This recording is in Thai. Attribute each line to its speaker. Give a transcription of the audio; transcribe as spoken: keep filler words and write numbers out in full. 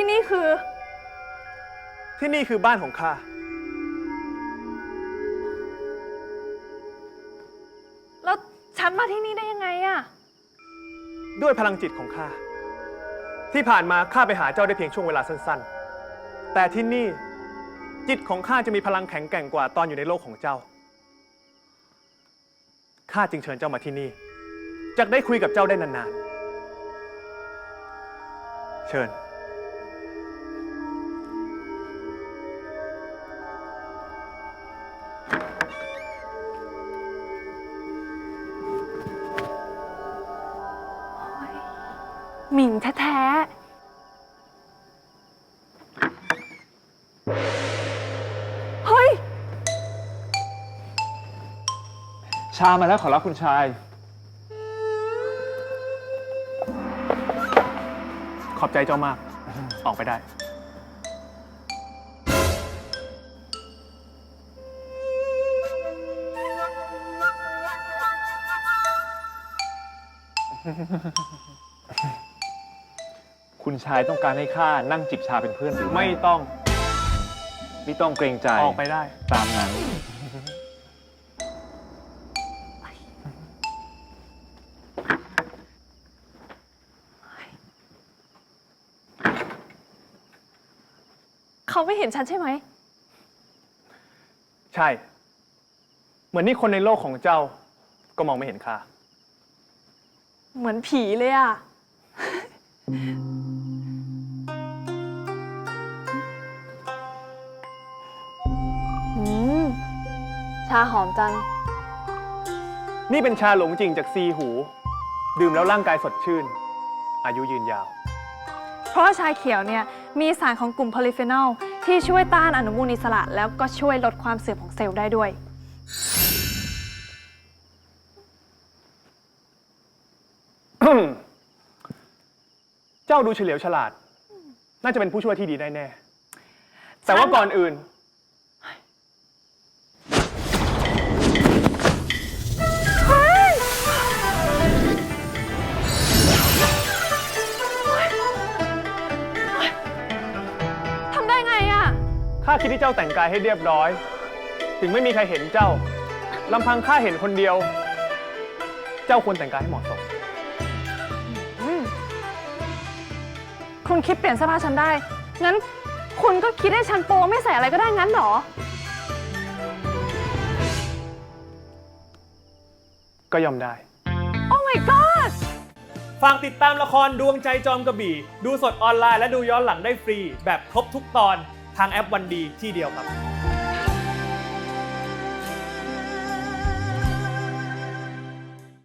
Speaker 1: ที่นี่คือ
Speaker 2: ที่นี่คือบ้านของข้า
Speaker 1: แล้วฉันมาที่นี่ได้ยังไงอะ
Speaker 2: ด้วยพลังจิตของข้าที่ผ่านมาข้าไปหาเจ้าได้เพียงช่วงเวลาสั้นๆแต่ที่นี่จิตของข้าจะมีพลังแข็งแกร่งกว่าตอนอยู่ในโลกของเจ้าข้าจึงเชิญเจ้ามาที่นี่จะได้คุยกับเจ้าได้นานๆเชิญ
Speaker 1: หมิ่งแท้ๆเฮ้ย
Speaker 3: ชามาแล้วขอรับคุณชาย
Speaker 2: ขอบใจเจ้ามากออกไปได้
Speaker 3: คุณชายต้องการให้ข้านั่งจิบชาเป็นเพื่อนหรือ
Speaker 2: ไม่ต้อง
Speaker 3: ไม่ต้องเกรงใจ
Speaker 2: ออกไปได้
Speaker 3: ตามนั้น
Speaker 1: เขาไม่เห็นฉันใช่ไหม
Speaker 2: ใช่เหมือนนี่คนในโลกของเจ้าก็มองไม่เห็นข้า
Speaker 1: เหมือนผีเลยอะอืมชาหอมจัง
Speaker 2: นี่เป็นชาหลงจริงจากซีหู ดื่มแล้วร่างกายสดชื่น อายุยืนยาว
Speaker 1: เพราะว่าชาเขียวเนี่ยมีสารของกลุ่มโพลีฟีนอลที่ช่วยต้านอนุมูลอิสระแล้วก็ช่วยลดความเสื่อมของเซลล์ได้ด้วย
Speaker 2: เจ้าดูเฉลียวฉลาด น่าจะเป็นผู้ช่วยที่ดีได้แน่ แต่ว่าก่อนอื่น
Speaker 1: ทำได้ไงอะ
Speaker 2: ข้าคิดที่เจ้าแต่งกายให้เรียบร้อย ถึงไม่มีใครเห็นเจ้าลำพังข้าเห็นคนเดียว เจ้าควรแต่งกายให้เหมาะสม
Speaker 1: คุณคิดเปลี่ยนเสื้อผ้าฉันได้ งั้นคุณก็คิดให้ฉันโปไม่ใส่อะไรก็ได้งั้นเหรอ
Speaker 2: ก็ยอมได้
Speaker 1: โอ้ my god
Speaker 2: ฝากติดตามละครดวงใจจอมกระบี่ ดูสดออนไลน์และดูย้อนหลังได้ฟรี แบบครบทุกตอนทางแอปวันดีที่เดียวครับ